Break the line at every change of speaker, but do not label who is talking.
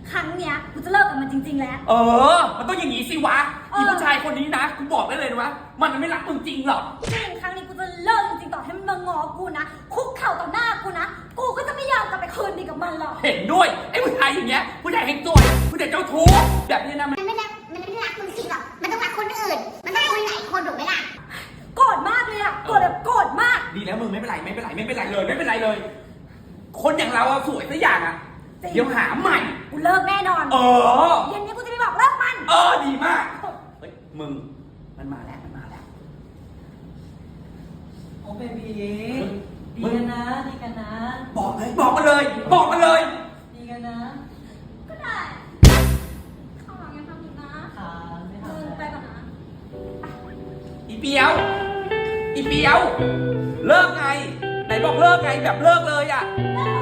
ครั้งเนี้ยกูจะเลิกกับมันจริงๆแล้ว
มันต้องอย่างนี้สิวะอีผู้ชายคนนี้นะกูบอกได้เลยนะว่ามันไม่รักมึงจริงหรอก
จริงครั้งนี้กูจะเลิกจริงๆต่อให้มันมางอกูนะคุกเข่าต่อหน้ากูนะกูก็จะไม่ยอมกลับไปคืนดีกับมันหรอก
เห็นด้วยไอ้ผู้ชายอย่างเงี้ยผู้ชายเฮงซวยผู้ชายเจ้าชู้แบบนี้นะ
มันไม่รักมึงจริงหรอกมันต้องรักคนอื่นมันต้องคุยหลายคนถูกไหมล่ะ
โกรธมากเลยอะโกรธแบบโกรธมาก
ดีแล้วมึงไม่เป็นไรเลยคนอย่างเราอะสวยสักอย่างอะเดี๋ยวหาใหม่
กูเลิกแน่นอนเย็นนี้กูจะไปบอกเลิกมัน
ดีมากเฮ้ยมึงมันมาแล้ว
โอ้เบบีดีกันนะ
บอกมาเลย
ดีกันนะ
ก็ได้ข้าวหลังยังทำอีกนะ
ไม่ทำ
ไปก่อนนะ
อีเปียวเลิกไงไหนบอกเลิกไงแบบเลิกเลยอะ
เลิก